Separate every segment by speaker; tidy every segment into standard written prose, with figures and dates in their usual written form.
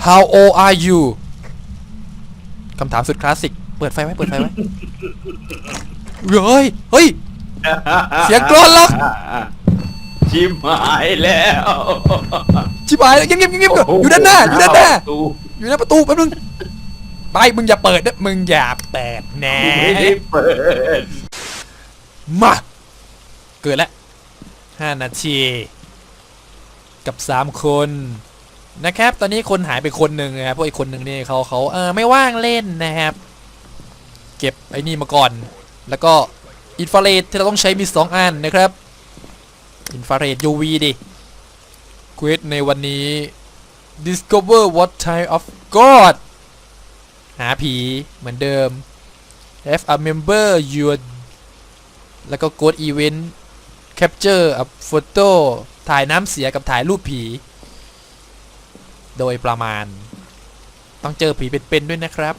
Speaker 1: How old are you คำถามสุดคลาสสิกเปิดไฟไว้เฮ้ยเสียงกรอนล็อก
Speaker 2: ชิบหายแล้ว
Speaker 1: ชิบหายแล้วเงียบอยู่ด้านหน้าอยู่หน้าประตูแป๊บนึงไปมึงอย่าเปิดนะมึงอย่าเปิดแน่
Speaker 2: ไม่ได้เปิด
Speaker 1: มาเกิดแล้ว5 นาทีกับ3 คนนะครับตอนนี้คนหายไปคนหนึ่งนะครับพวกอีกคนหนึ่งนี่เขาไม่ว่างเล่นนะครับเก็บไอ้นี่มาก่อนแล้วก็อินฟราเรดที่เราต้องใช้มี2 อันนะครับอินฟราเรด UV ดิเควสในวันนี้ discover what type of god หาผีเหมือนเดิม have a member your แล้วก็ ghost event capture a photo ถ่ายน้ำเสียกับถ่ายรูปผีโดยประมาณต้องเจอผีเป็นๆด้วยนะครับ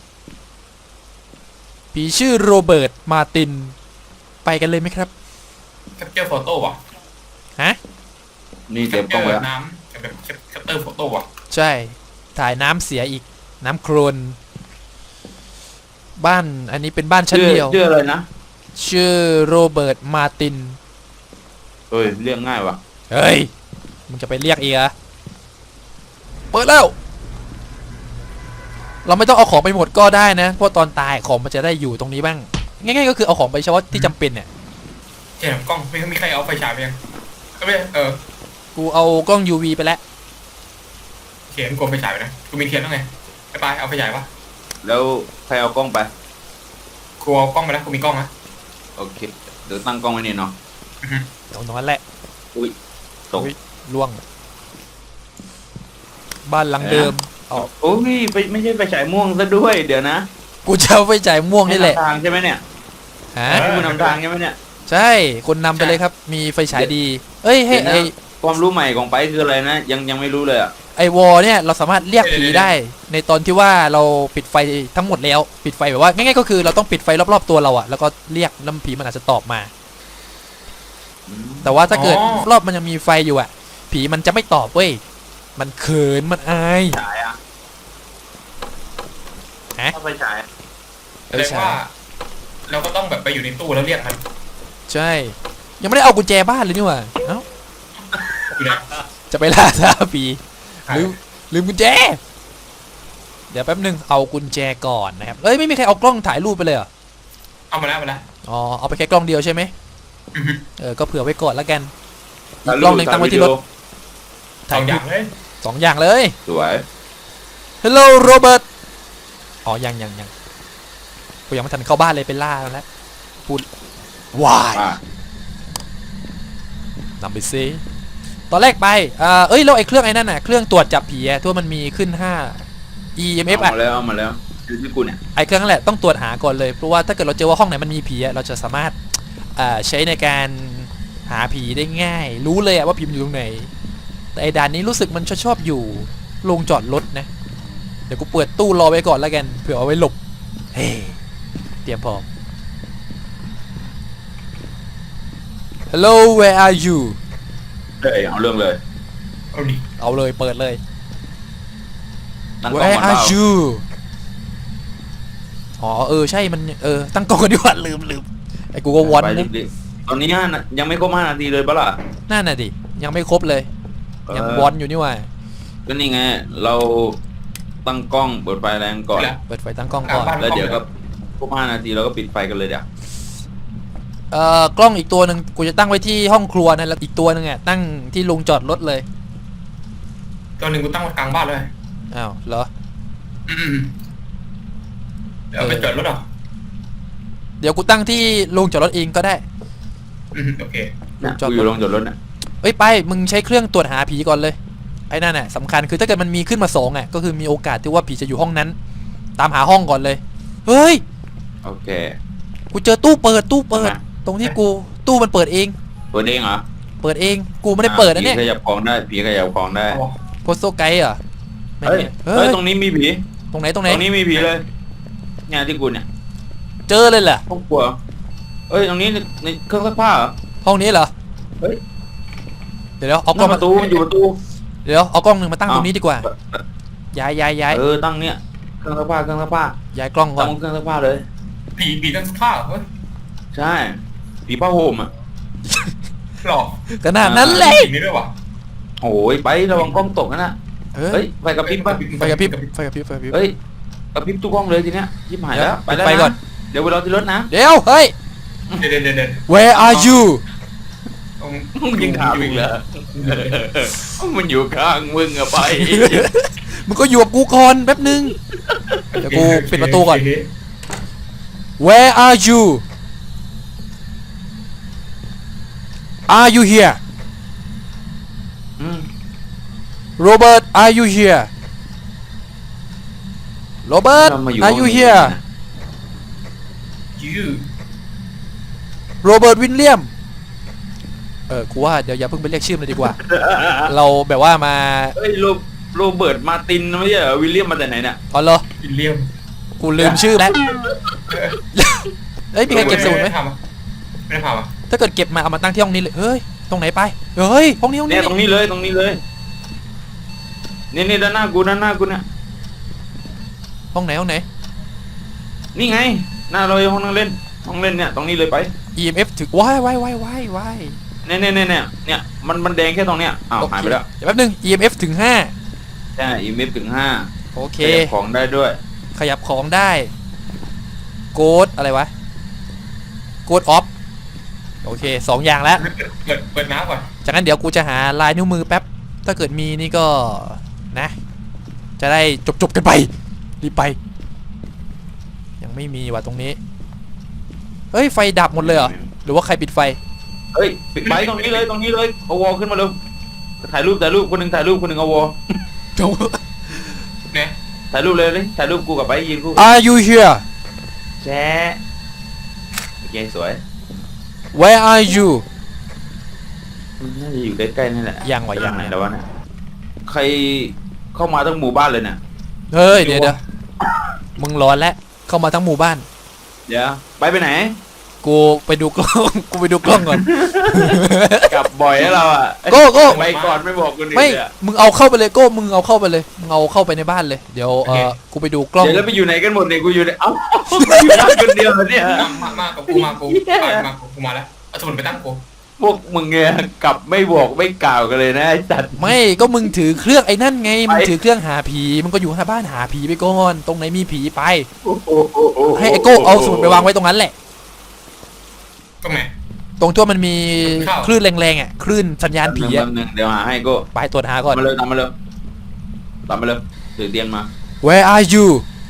Speaker 1: ผีชื่อโรเบิร์ตมาร์ตินไปกันเลยไหมครับ
Speaker 3: แคปเจอร์โฟโต้ว่ะ
Speaker 1: ฮะ
Speaker 2: นี่เตรียมกล้องไว้
Speaker 3: น้ำแบบแคปเจอร์โฟโต้ว่ะ
Speaker 1: ใช่ถ่ายน้ำเสียอีกน้ำโครนบ้านอันนี้เป็นบ้านชั้นเดียว
Speaker 2: ชื่ออะไรนะ
Speaker 1: ชื่อโรเบิร์ตมาร์ติน
Speaker 2: เฮ้ยเรียกง่ายว่ะ
Speaker 1: เฮ้ยมึงจะไปเรียกเอะเปิดแล้วเราไม่ต้องเอาของไปหมดก็ได้นะเพราะตอนตายของมันจะได้อยู่ตรงนี้บ้างง่ายๆก็คือเอาของไปเฉพาะที่จำเป็นเนี่ย
Speaker 3: เห็นกล้องไม่มีใครเอาไฟฉายไปยังไม่
Speaker 1: กูเอากล้อง UV ไปแล้ว
Speaker 3: เขียนกลมไฟฉายไปนะกูมีเทียนแล้วไงไปเอาไฟฉายวะ
Speaker 2: แล้วใครเอากล้องไป
Speaker 3: กูเอากล้องไปแล้วกูมีกล้องนะ
Speaker 2: โอเคเดี๋ยวตั้งกล้องไว้นี่เนาะ
Speaker 1: ตรงนั้นแหละ
Speaker 2: อุ้ยตก
Speaker 1: ล่วงบ้านหลังเดิม
Speaker 2: โอ้ยไม่ใช่ไฟฉายม่วงซะด้วยเดี๋ยวนะ
Speaker 1: กูจะเอาไฟฉายม่วงนี่แหละ
Speaker 2: ทางใช่ไหมเนี่ย
Speaker 1: ฮะ
Speaker 2: คุณนำทางใช่ไหมเนี่ย
Speaker 1: ใช่คนนำไปเลยครับมีไฟฉายดีเอ้ยให้ไอ
Speaker 2: ความรู้ใหม่ของไปคืออะไรนะยังไม่รู้เลยอะ
Speaker 1: ไอวอลเนี่ยเราสามารถเรียกผีได้ในตอนที่ว่าเราปิดไฟทั้งหมดแล้วปิดไฟแบบว่าง่ายๆก็คือเราต้องปิดไฟรอบๆตัวเราอะแล้วก็เรียกน้ำผีมันอาจจะตอบมาแต่ว่าถ้าเกิดรอบมันยังมีไฟอยู่อะผีมันจะไม่ตอบเว้ยมันเขินมันอาย
Speaker 2: ฉายอะ
Speaker 1: ฮะ
Speaker 2: ไฟฉาย
Speaker 3: แปลว่าเราก็ต้องแบบไปอยู่ในตู้แล้วเรียกมัน
Speaker 1: ใช่ยังไม่ได้เอากุญแจบ้านเลยนี่หว่าเอ้าจะไปล่าท้าผีลืมกุญแจเดี๋ยวแป๊บนึงเอากุญแจก่อนนะครับเอ้ยไม่มีใครเอากล้องถ่ายรูปไปเลยเหรอ
Speaker 3: เอามาแล้ว
Speaker 1: อ๋อเอาไปแค่กล้องเดียวใช่ไหมก็เผื่อไว้ก่อนแล้วกันอีกกล้องหนึ่งตั้งไว้ที่รถ
Speaker 3: 2 อย่างเลย
Speaker 1: 2 อย่างเลย
Speaker 2: สวย
Speaker 1: Hello Robert อ๋อยังกูยังไม่ทันเข้าบ้านเลยไปล่าแล้วพูดวายนำไปซิตอนแรกไปเอ้ยแล้วไอ้เครื่องไอ้นั่นน่ะเครื่องตรวจจับผีอะทั่วมันมีขึ้น5 EMF อะ
Speaker 2: เอามาแล้วคือที่กูเนี่ย
Speaker 1: ไอ้เครื่องนั่นแหละต้องตรวจหาก่อนเลยเพราะว่าถ้าเกิดเราเจอว่าห้องไหนมันมีผีอะเราจะสามารถใช้ในการหาผีได้ง่ายรู้เลยอะว่าผีมันอยู่ตรงไหนแต่ไอ้ด่านนี้รู้สึกมันชอบอยู่โรงจอดรถนะเดี๋ยวกูเปิดตู้รอไว้ก่อนแล้วกันเผื่อเอาไว้หลบเฮ้เตรียมพร้อม Hello where are you
Speaker 2: เอาเรื่องเลย
Speaker 1: เอาเลยเปิดเลย Where are you อ๋อใช่มันตั้งกล้องกันดีกว่าลืมไอ้กูก็วอนนะ
Speaker 2: ตอนนี้ยังไม่ครบ5 นาทีเลยปะล่ะ
Speaker 1: นั่นน่ะดิยังไม่ครบเลยยังวอนอยู่นี่ว่า
Speaker 2: ก็นี่ไงเราตั้งกล้องเปิดไฟแรงก่อน
Speaker 1: เปิดไฟตั้งกล้องก่อน
Speaker 2: แล้วเดี๋ยวก็ครบ5 นาทีเราก็ปิดไฟกันเลยเดี๋ยว
Speaker 1: กล้องอีกตัวหนึ่งกูจะตั้งไว้ที่ห้องครัวนะแล้วอีกตัวหนึ่งอ่ะตั้งที่โรงจอดรถเลย
Speaker 3: ตัวหนึ่งกูตั้งไว้กลางบ้านเลย
Speaker 1: อ้าวเหรอ
Speaker 3: เดี๋ยวไปจอดรถหรอ
Speaker 1: เดี๋ยวกูตั้งที่โรงจอดรถเองก็ได้
Speaker 3: โอเค
Speaker 2: อยู่โรงจอดรถน่ะ
Speaker 1: เอ้ยไปมึงใช้เครื่องตรวจหาผีก่อนเลยไอ้นั่นน่ะสำคัญคือถ้าเกิดมันมีขึ้นมา2อ่ะก็คือมีโอกาสที่ว่าผีจะอยู่ห้องนั้นตามหาห้องก่อนเลยเฮ้ย
Speaker 2: โอเค
Speaker 1: กูเจอตู้เปิดตรงที่กูตู้มันเปิดเอง
Speaker 2: เหรอ
Speaker 1: เปิดเองกูไม่ได้เปิดนะเนี่ย
Speaker 2: ผีขยับของได้
Speaker 1: โพสโซไกด์เหรอ
Speaker 2: เฮ้ยตรงนี้มีผี
Speaker 1: ตรงไหน
Speaker 2: ตรงนี้มีผีเลยเนี่ยที่กูเนี่ย
Speaker 1: เจอเลยเหรอ
Speaker 2: ห้องครัวเอ้ยตรงนี้ในเครื่องซักผ้าเหรอ
Speaker 1: ห้องนี้เหรอ
Speaker 2: เฮ้ย
Speaker 1: เดี๋ยวเอากล้อง
Speaker 2: ประตูมันอยู่ประตู
Speaker 1: เดี๋ยวเอากล้องหนึ่งมาตั้งตรงนี้ดีกว่าย้าย
Speaker 2: ตั้งเนี่ยเครื่องซักผ้า
Speaker 1: ย้ายกล้องก่อ
Speaker 2: ตั้
Speaker 1: น
Speaker 2: งเครื่องซักผ้าเลย
Speaker 3: ผีตั้งผ้าเฮ้ย
Speaker 2: ใช่ผีผ้าห่มอ่ะ
Speaker 3: หลอก
Speaker 1: ขนาดนั้นเลย
Speaker 3: ผีนี่ด้วยวะ
Speaker 2: โอ้ยไประวังกล้องตกนะ
Speaker 1: เออ
Speaker 2: เฮ้ยไฟกระพริบป่ะ
Speaker 1: ไฟกระพริบ
Speaker 2: เฮ้ยกระพริบทุกกล้องเลยทีเนี้ยยิบหายแล้วไปแล้ว
Speaker 1: ไปก่อน
Speaker 2: นะเดี๋ยวไปรอที่รถนะ
Speaker 1: เดี๋ยวเฮ้ย
Speaker 3: เดิน
Speaker 1: where are you
Speaker 2: ยิงถามอีกแล้วมันอยู่ข้างมึงอะไป
Speaker 1: มึงก็อยู่กับกูก่อนแป๊บนึงเดี๋ยวกูปิดประตูก่อน where are you are you here
Speaker 2: อืม
Speaker 1: Robert are you here Robert
Speaker 2: เรามาอยู่
Speaker 1: are you
Speaker 2: ห้องนี้
Speaker 1: here
Speaker 2: นะ
Speaker 3: ยู
Speaker 1: Robert William กูว่าเดี๋ยวอย่าเพิ่งไปเรียกชื่อมันเลยดีกว่า เราแบบว่ามา
Speaker 2: เฮ้ยโรเบิร์ตมาร์ตินไม่ใช่เหรอวิลเลียมมาแต่ไหนเนี่ย
Speaker 1: อ๋อเหรอ
Speaker 3: วิลเลียม
Speaker 1: กูลืมชื่อแล้วเฮ้ยมีใครเก็บสมุดไหม
Speaker 3: ไม่ได้พามา
Speaker 1: ถ้าเกิดเก็บมาเอามาตั้งที่ห้องนี้เลยเฮ้ยตรงไหนไปเฮ้ยห้องนี้
Speaker 2: เนี่ยตรงนี้เลยนี่ด้านหน้ากูเนี่ย
Speaker 1: ห้องไหน
Speaker 2: นี่ไงหน้าเราห้องนั่งเล่นเนี่ยตรงนี้เลยไป
Speaker 1: EMF ถึงว้าย
Speaker 2: เนี่ยมันแดงแค่ตรงเนี้ยอ้าวหายไปแล้ว
Speaker 1: เดี๋ยวแป๊บนึง EMF ถึง
Speaker 2: ใช่อีเมฟถึง
Speaker 1: 5
Speaker 2: 5
Speaker 1: โอเค
Speaker 2: ขยับของได้ด้วย
Speaker 1: ขยับของได้โกดอะไรวะโกดออฟโอเค2อย่างแล้ว
Speaker 3: เปิดน้ำก่อน
Speaker 1: จากนั้นเดี๋ยวกูจะหาลายนิ้วมือแป๊บถ้าเกิดมีนี่ก็นะจะได้จบกันไปรีบไปยังไม่มีว่ะตรงนี้เฮ้ยไฟดับหมดเลยเหรอหรือว่าใครปิดไฟ
Speaker 2: เฮ้ยปิดไฟตรงนี้เลยเอาวอลขึ้นมาเลยถ่ายรูปคนหนึ่งเอาวอล
Speaker 3: เนี่ย
Speaker 2: ถ่ายรูปเลยถ่ายรูปกูกับไปยืนกู
Speaker 1: Are you here
Speaker 2: แช่โอเคสวย
Speaker 1: Where are you
Speaker 2: มันน่าจะอยู่ใกล้ๆนี่แหละ
Speaker 1: ยังวะ
Speaker 2: ไหนแล้ววะเนี่ยใครเข้ามาทั้งหมู่บ้านเลยเนี่ย
Speaker 1: เฮ้ยเดี๋ยวมึงร้อนแล้วเข้ามาทั้งหมู่บ้าน
Speaker 2: เดี๋ยวไปไหน
Speaker 1: กูไปดูกล้อง กูไปดูกล้องก่อน
Speaker 2: กลับบ่อยให้เราอ่ะ
Speaker 1: โก้
Speaker 2: ไปก่อนไม่บอกคนอื่น
Speaker 1: ไม่
Speaker 2: เลยอะ
Speaker 1: มึงเอาเข้าไปเลยโก้มึงเอาเข้าไปเลยมึงเอาเข้าไปในบ้านเลยเดี๋ยวกูไปดูกล้อง
Speaker 2: เดี๋ยวแล้วไปอยู่ไหนกันหมดเนี่ยกูอยู่ในเอ้าอยู่บ้านคนเดียวเหรอเนี่ย
Speaker 3: มากับกูมากูมาแล้วเอาสมุนไปตั้งกู
Speaker 2: พวกมึงเนี่ยกลับไม่บอกไม่กล่าวกันเลยนะไอ้สัตว์
Speaker 1: ไม่ก็มึงถือเครื่องไอ้นั่นไงมึงถือเครื่องหาผีมึงก็อยู่หน้าบ้านหาผีไปก่อนตรงไหนมีผีไปให้ไอ้โก้เอาสมุดไปวางไว้ตรงนั้นแหละ
Speaker 3: ก็แม่
Speaker 1: ตรงที่มันมีคลื่นแรงๆอ่ะคลื่นสัญญาณผีอ่ะ
Speaker 2: แป๊บนึงเดี๋ยวหาให้กู
Speaker 1: ไปตรวจหาก่อน
Speaker 2: ตามมาเลยถือเตียงมา
Speaker 1: Where are you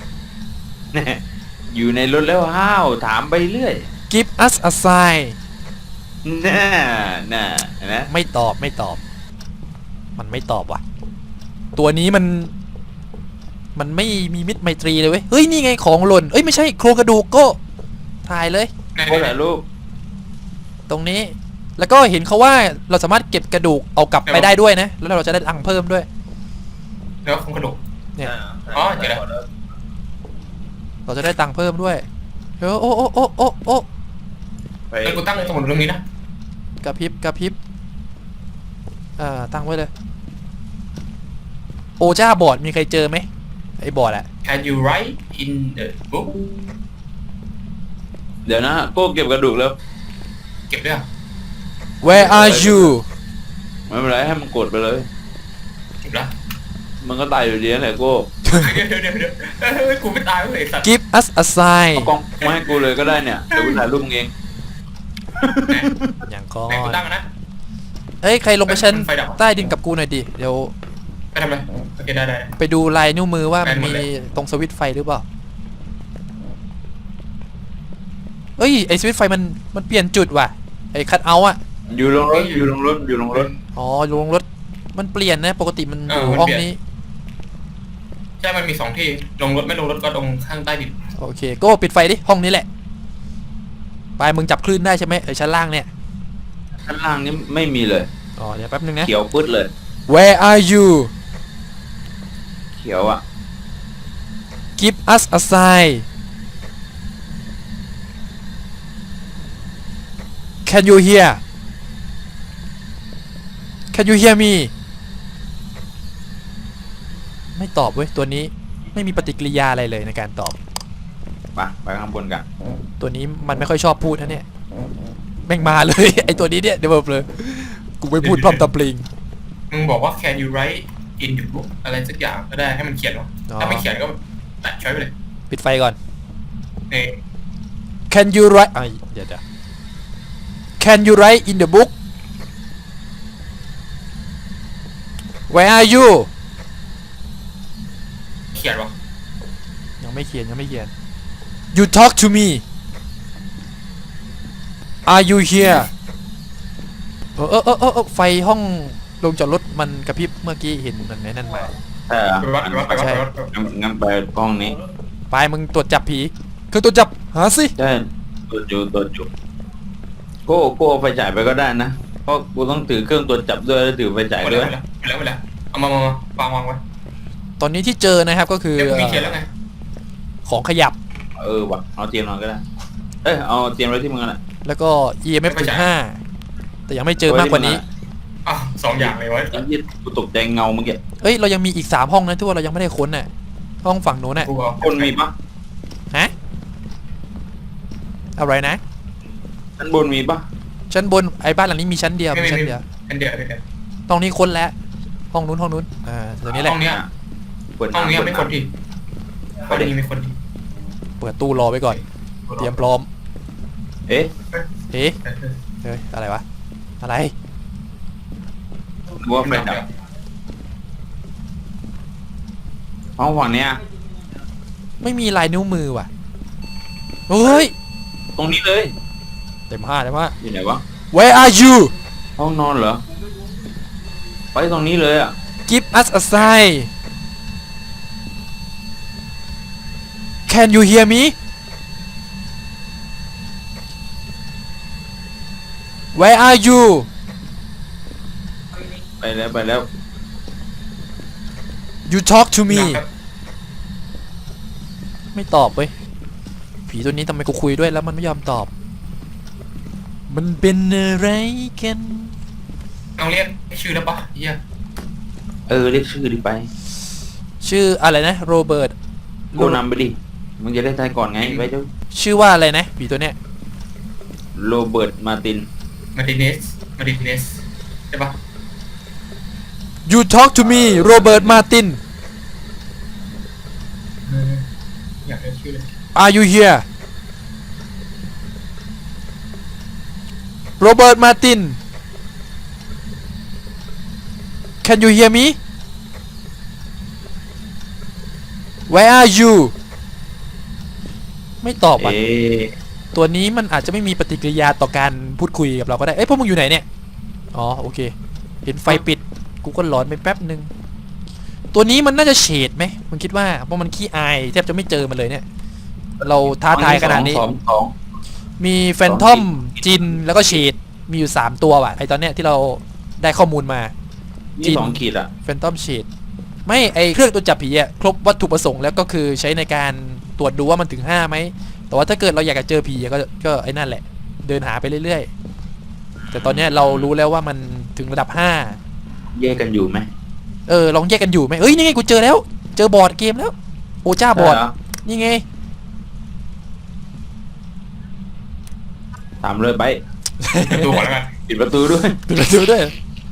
Speaker 2: อยู่ในรถแล้วห้าวถามไปเรื่อย
Speaker 1: Give us a sign
Speaker 2: น่านะ
Speaker 1: ไม่ตอบมันไม่ตอบว่ะตัวนี้มันไม่มีมิตรไมตรีเลยเว้ยเฮ้ยนี่ไงของหล่นเอ้ยไม่ใช่โครงกระดูกโก็ถ่ายเลย
Speaker 2: โคตรรูป
Speaker 1: ตรงนี้แล้วก็เห็นเขาว่าเราสามารถเก็บกระดูกเอากลับไปได้ด้วยนะแล้วเราจะได้ตังค์เพิ่มด้วย
Speaker 3: แล้วคงกระดูก
Speaker 1: เนี่ย
Speaker 3: อ๋อเดี๋ยวนะ
Speaker 1: เราจะได้ตังค์เพิ่มด้วยโอ้
Speaker 2: ไป
Speaker 3: แล้วกูตั้งสมุนตรงนี้นะ
Speaker 1: กระพริบตั้งไว้เลยโอจ้าบอร์ดมีใครเจอไหมไอ้บอร์ดอะ
Speaker 3: Can you write in the book
Speaker 2: เดี๋ยวนะโก้เก็บกระดูกแล้ว
Speaker 3: เก็บด้วย
Speaker 1: Where are you
Speaker 2: ไม่เป็นไรให้มันกดไปเลย
Speaker 3: เก็บแล้ว
Speaker 2: มันก็ตายอยู่ดีนั่นแหละโก้
Speaker 3: เดี๋ยวกูไม่ตายเลยสัตว์
Speaker 1: Give us a sign
Speaker 2: เอากล้องมาให้กูเลยก็ได้เนี่ยเดี๋ยวกูถ่ายรูปมึงเอง
Speaker 1: อย่างก่อ
Speaker 3: ไหนกู
Speaker 1: น
Speaker 3: ตั้งนะ
Speaker 1: เฮ้ยใครลงไปชั้น
Speaker 3: ไฟดับ
Speaker 1: ใต้ดินกับกูหน่อยดิเดี๋ยว
Speaker 3: ไปทำอะไรโอเคได้
Speaker 1: ไปดูลายนิ้วมือว่ามัน
Speaker 3: แม่นหมด
Speaker 1: มี
Speaker 3: เลย
Speaker 1: ตรงสวิตช์ไฟหรือเปล่าเอ้ยไอสวิตช์ไฟมันเปลี่ยนจุดว่ะไอคัทเอาท์อะ
Speaker 2: อยู่ลงรถ
Speaker 1: อ๋อลงรถมันเปลี่ยนนะปกติมันอยู่
Speaker 3: มัน
Speaker 1: ห้อง
Speaker 3: เปลี่ยน
Speaker 1: นี้
Speaker 3: ใช่มันมี2ที่ลงรถไม่ลงรถก็ลงข้างใต้ดิน
Speaker 1: โอเคก็ปิดไฟดิห้องนี้แหละไปมึงจับคลื่นได้ใช่ไหมชั้นล่างเนี่ย
Speaker 2: ข้างล่างนี่ไม่มีเลย
Speaker 1: อ๋อเดี๋ยวแป๊บนึงนะ
Speaker 2: เขียวปึ๊ดเลย
Speaker 1: Where are you
Speaker 2: เขียวอ่ะ
Speaker 1: Give us a sign Can you hear Can you hear me ไม่ตอบเว้ยตัวนี้ไม่มีปฏิกิริยาอะไรเลยในการตอบ
Speaker 2: ไปข้างบนกัน
Speaker 1: ตัวนี้มันไม่ค่อยชอบพูดนะเนี่ยแม่งมาเลย ไอตัวนี้เนี่ยเดี๋ยวเลยกูไม่พูดพร่ำทำเพลง
Speaker 3: มึงบอกว่า can you write in the book อะไรสักอย่างก็ได้ให้มันเขียนวะถ้าไม่เขียนก็ตัดช้อยไปเลย
Speaker 1: ปิดไฟก่อน
Speaker 3: นี่
Speaker 1: Can you write เดี๋ยว Can you write in the book Where are you
Speaker 3: เขียนวะ
Speaker 1: ยังไม่เขียนYou talk to me Are you here ไฟห้องลงจอดรถมันกระพริบเมื่อกี้เห็นมันนั่นมา
Speaker 2: ใช่เหรอ
Speaker 3: ไปวัด
Speaker 2: งั้นไปห้องนี้
Speaker 1: ไปมึงตรวจจับผีเครื่องตรวจจับหาสิ
Speaker 2: ใช่ตัวจุกูเอาไฟฉายไปก็ได้นะเพราะกูต้องถือเครื่องตรวจจับด้วยแล้วถือไฟฉาย
Speaker 3: ไป
Speaker 2: ด้วย
Speaker 3: แล้วเอามาวางไว้
Speaker 1: ตอนนี้ที่เจอนะครับก็คือ
Speaker 3: เดี๋ยวมีเขียนแล้วไง
Speaker 1: ของขยับ
Speaker 2: ว่ะเอาเตียงนอนก็ได้เอาเตียงไว้ที่มึงน่ะ
Speaker 1: แล้วก็ EMF ถึง5แต่ยังไม่เจอมากกว่านี้
Speaker 3: อ้าว2 อย่างเลยวะ
Speaker 2: ไอ้ที่กูตกใจเงาเมื่อกี้
Speaker 1: เอ้ยเรายังมีอีก3ห้องนะที่ว่าเรายังไม่ได้ค้นน่ะห้องฝั่งโน้นน่ะ
Speaker 3: กูเอา
Speaker 2: คนมีปะ
Speaker 1: ฮะอะไรนะ
Speaker 2: ชั้นบนมีปะ
Speaker 1: ชั้นบนไอ้บ้านหลังนี้มีชั้นเดียวมีชั้นเดียว
Speaker 3: เป็นเดียว
Speaker 1: ตรงนี้ค้นแล้วห้องนู้นตัวนี้แหละ
Speaker 3: ห้องเนี้ย
Speaker 2: เปิด
Speaker 3: ห้อง
Speaker 2: น้ำ
Speaker 3: เนี้ย
Speaker 2: เปิด
Speaker 3: ไม่คน
Speaker 2: น้ำ
Speaker 3: ทีห้องนี้ไม่คนที
Speaker 1: เปิดตู้รอไว้ก่อนเตรียมพร้อม
Speaker 2: เอ๊ะ
Speaker 1: เฮ้ยอะไรวะอะไร
Speaker 2: กูว่าไฟดับห้องฝั่งเนี้ย
Speaker 1: ไม่มีลายนิ้วมือว่ะเฮ้ย
Speaker 2: ตรงนี้เลย
Speaker 1: เต็ม5
Speaker 2: อยู่ไหนวะ
Speaker 1: Where are you
Speaker 2: ห้องนอนเหรอไปตรงนี้เลยอ่ะ
Speaker 1: Give us a sign Can you hear me Where are you
Speaker 2: ไปแล้ว
Speaker 1: You talk to me ไม่ตอบเว้ยผีตัวนี้ทำไมกูคุยด้วยแล้วมันไม่ยอมตอบ มันเป็นอะไรกัน
Speaker 3: เอาเรียกชื่อแล้วปะเฮีย
Speaker 2: เรียกชื่อดิไป
Speaker 1: ชื่ออะไรนะโรเบิร์ต
Speaker 2: กูนำไปดิมึงจะได้ทายก่อนไงไปเจ้า
Speaker 1: ชื่อว่าอะไรนะผีตัวเนี้ย
Speaker 2: โรเบิร์ตมาร์ติน
Speaker 3: มาร์ติเนสใช่ปะ
Speaker 1: You talk to me Robert Martin
Speaker 3: อยากได้ชื่อเลย
Speaker 1: Are you here Robert Martin Can you hear me Where are you ไม่ตอบอ่ะตัวนี้มันอาจจะไม่มีปฏิกิริยาต่อการพูดคุยกับเราก็ได้เอ้ยพวกมึงอยู่ไหนเนี่ยอ๋อโอเคเห็นไฟปิดกูก็หลอนไปแป๊บนึงตัวนี้มันน่าจะเฉดไหมมึงคิดว่าเพราะมันขี้อายแทบจะไม่เจอมันเลยเนี่ยเราท้าทายขนาดนี้
Speaker 2: สอง
Speaker 1: มีแฟนทอมจินแล้วก็เฉดมีอยู่3ตัวว่ะไอตอนเนี้ยที่เราได้ข้อมูลมา
Speaker 2: นี่2 ขีดอ่ะ
Speaker 1: แฟนตอมเชดไม่ไอเครื่องตรวจจับผีอะครบวัตถุประสงค์แล้วก็คือใช้ในการตรวจดูว่ามันถึง5ไหมแต่ว่าถ้าเกิดเราอยากจะเจอผีก็ไอ้นั่นแหละเดินหาไปเรื่อยๆแต่ตอนเนี้ยเรารู้แล้วว่ามันถึงระดับ5
Speaker 2: แยกกันอยู่ไหม
Speaker 1: ลองแยกกันอยู่ไหมเอ้ยนี่ไงกูเจอแล้วเจอบอร์ดเกมแล้วโอจ้าบอร์ดนี่ไง
Speaker 2: ถามเลยไป
Speaker 3: ประตูก่อนแล้วกัน
Speaker 2: ปิดประตูด้วย
Speaker 1: ปิดประตูด้วย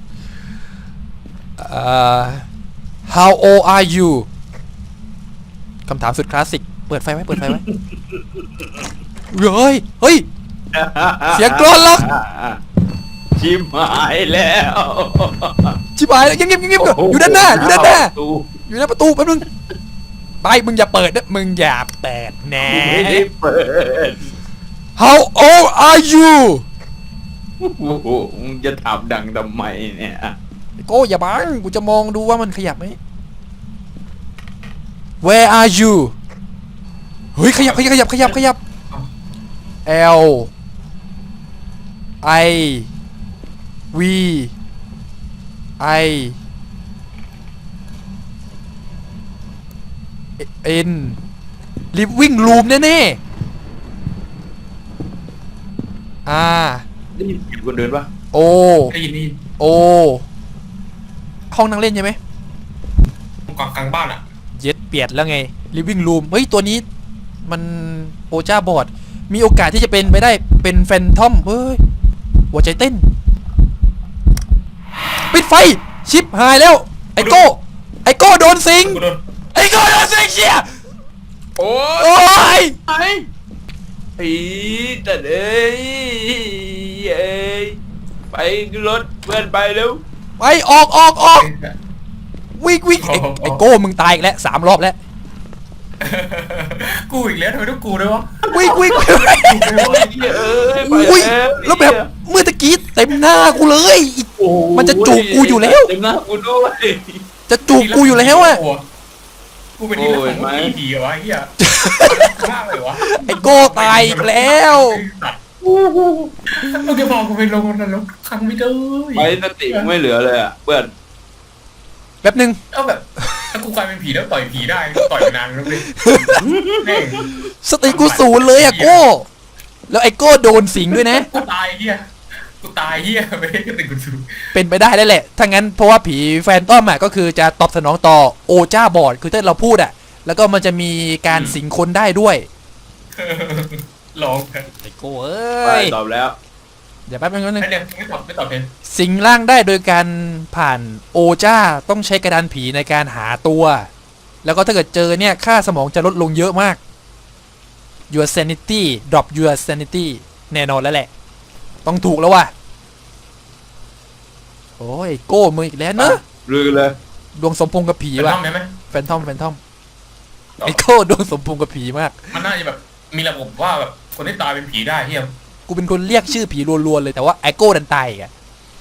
Speaker 1: How old are you คำถามสุดคลาสสิกเปิดไฟไว้เฮ้ยเสียงกรอนล็อก
Speaker 2: ชิมหายแล้ว
Speaker 1: ชิบหายแล้วเงียบก่อนอยู่ด้านหน้าอยู่หน้าประตูแป๊บนึงไปมึงอย่าเปิดนะมึงอย่าเปิดแน่
Speaker 2: ไม่ได้เปิด
Speaker 1: How old are you
Speaker 2: โอ้โหมึงจะถามดังทำไมเนี่ย
Speaker 1: โก้อย่าบังกูจะมองดูว่ามันขยับไหม Where are you เฮ้ยขยับ L I V I N living room แน่ๆ
Speaker 2: ได้ยินเสียงคนเดินปะ
Speaker 1: โอ
Speaker 3: ได้ยิน
Speaker 1: โอห้องนั่งเล่นใช่ไหม
Speaker 3: กกลางบ้านอ่ะ
Speaker 1: เย็ดเปียดแล้วไง living room เฮ้ยตัวนี้มันโอจ้าบอร์ดมีโอกาสที่จะเป็นไปได้เป็นแฟนทอมเฮ้ยหัวใจเต้นปิดไฟชิปหายแล้วไอโก้โดนสิง
Speaker 3: กูโดน
Speaker 1: ไอโก้โดนสิงเชีย
Speaker 2: โอ้
Speaker 1: โอ้ย
Speaker 2: ไอ้แต่เอ้ยเอ้ยไปรถเพื่อนไปเร็ว
Speaker 1: ไปออกวิ่งไอโก้มึงตายอีกแล้ว3 รอบแล้ว
Speaker 3: กูอีกแล้วทำไมต้องกูด้วยวะ
Speaker 1: วิ่ง
Speaker 2: เอ้ยไป
Speaker 1: อุ้ยแล้วแบบเมื่อตะกี้เต็มหน้ากูเลยมันจะจูบกูอยู่แล้ว
Speaker 2: เต็มหน้ากูด้วย
Speaker 1: จะจูบกูอยู่แล้วอะ
Speaker 3: กูเป็นที่รักของมึงดีเหรอวะเฮียมากเลยวะ
Speaker 1: ไอโก้ตายอีกแล้ว
Speaker 3: มึงจะบอกกูไปลงนรกครั้งไม่ได้
Speaker 2: ไปสติไม่เหลือเลยอ่ะเพื่อน
Speaker 1: แป๊บนึง
Speaker 3: เอาแบบถ้ากูกลายเป็นผีแล้วต่อยผีได้ต่อยนานแล้วเลยแม่ง
Speaker 1: สติกูศูนย์เลยอะโก้แล้วไอโก้โดนสิงด้วยนะ
Speaker 3: กูตายเฮียไม่ได้กระติกกูสู
Speaker 1: เป็นไปได้แล้วแหละถ้างั้นเพราะว่าผีแฟนต้อมอะก็คือจะตอบสนองต่อโอจ้าบอร์ดคือถ้าเราพูดอะแล้วก็มันจะมีการสิงคนได้ด้วย
Speaker 3: ลอง
Speaker 1: ไอโก้
Speaker 2: ไป
Speaker 1: เอ้ย
Speaker 2: ตอบแล้ว
Speaker 1: เดี๋ยวแป๊บนึง
Speaker 3: ไม่เนี่ยไม่ตอบเพน
Speaker 1: สิงร่างได้โดยการผ่านโอจ้าต้องใช้กระดานผีในการหาตัว แล้วก็ถ้าเกิดเจอเนี่ยค่าสมองจะลดลงเยอะมาก your sanity drop your sanity แน่นอนแล้วแหละ ต้องถูกแล้วว่ะโอ้ยโก้มืออีกแล้วเนอะ
Speaker 2: ลือเลย
Speaker 1: ดวงสมพงษ์กับผี
Speaker 3: เป็น
Speaker 1: ว่ะ
Speaker 3: ห้องได้ไหม
Speaker 1: แฟนทอมไอโก้ดวงสมพงษ์กับผีมาก
Speaker 3: มันน่าจะแบบมีระบบว่าแบบคนที่ตายเป็นผีได้เฮีย
Speaker 1: กูเป็นคนเรียกชื่อผีรัวๆเลยแต่ว่าไอโก้ดันตายอีกอะ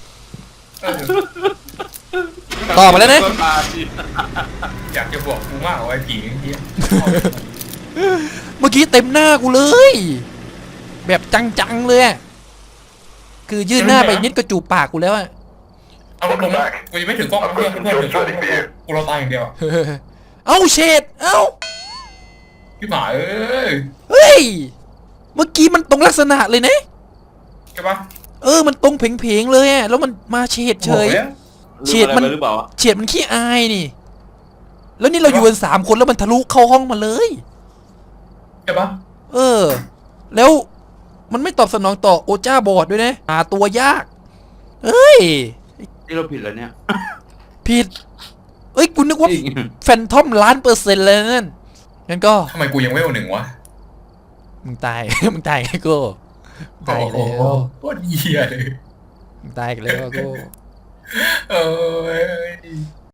Speaker 1: ต่อมาแล้วนะ
Speaker 3: อยากจะบอกกูมากว่าไอ้ผีเฮีย
Speaker 1: เมื่อกี้เต็มหน้ากูเลย แบบจังๆเลยอะคือยื่นหน้าไปนิดก็จูบปากกูแล้วอะ
Speaker 3: เอาลงกูยังไม่ถือกล้องนะเพื่อนถือกล้องกูรอตายอย่างเดียว
Speaker 1: เอ้าเชดเอ้า
Speaker 3: พี่หมาเอ้ย
Speaker 1: เฮ้ยเมื่อกี้มันตรงลักษณะเลยนะ
Speaker 3: ใช่ปะ
Speaker 1: มันตรงเพงๆเลยอะแล้วมันมาเฉดเฉย เฉียดมัน
Speaker 2: หรือเปล่า
Speaker 1: เฉียดมันขี้อายนี่ แล้วนี่เราอยู่กัน3 คนแล้วมันทะลุเข้าห้องมาเลย
Speaker 3: ใช่ปะ
Speaker 1: แล้วมันไม่ตอบสนองต่อโอจ้าบอร์ดด้วยนะหาตัวยาก
Speaker 2: ที่เราผิดแล้วเนี่ย
Speaker 1: ผิดกูนึกว่า
Speaker 2: จริง
Speaker 1: แฟนทอม1,000,000%เลยนั่นงั้นก็
Speaker 3: ทำไมกูยังเวล1วะ
Speaker 1: มึงตาย มึงตายไงกูตายแล้ว
Speaker 3: โคตรเหี้ยเลย
Speaker 1: มึงตายกันแล้วกู
Speaker 3: เอ้ย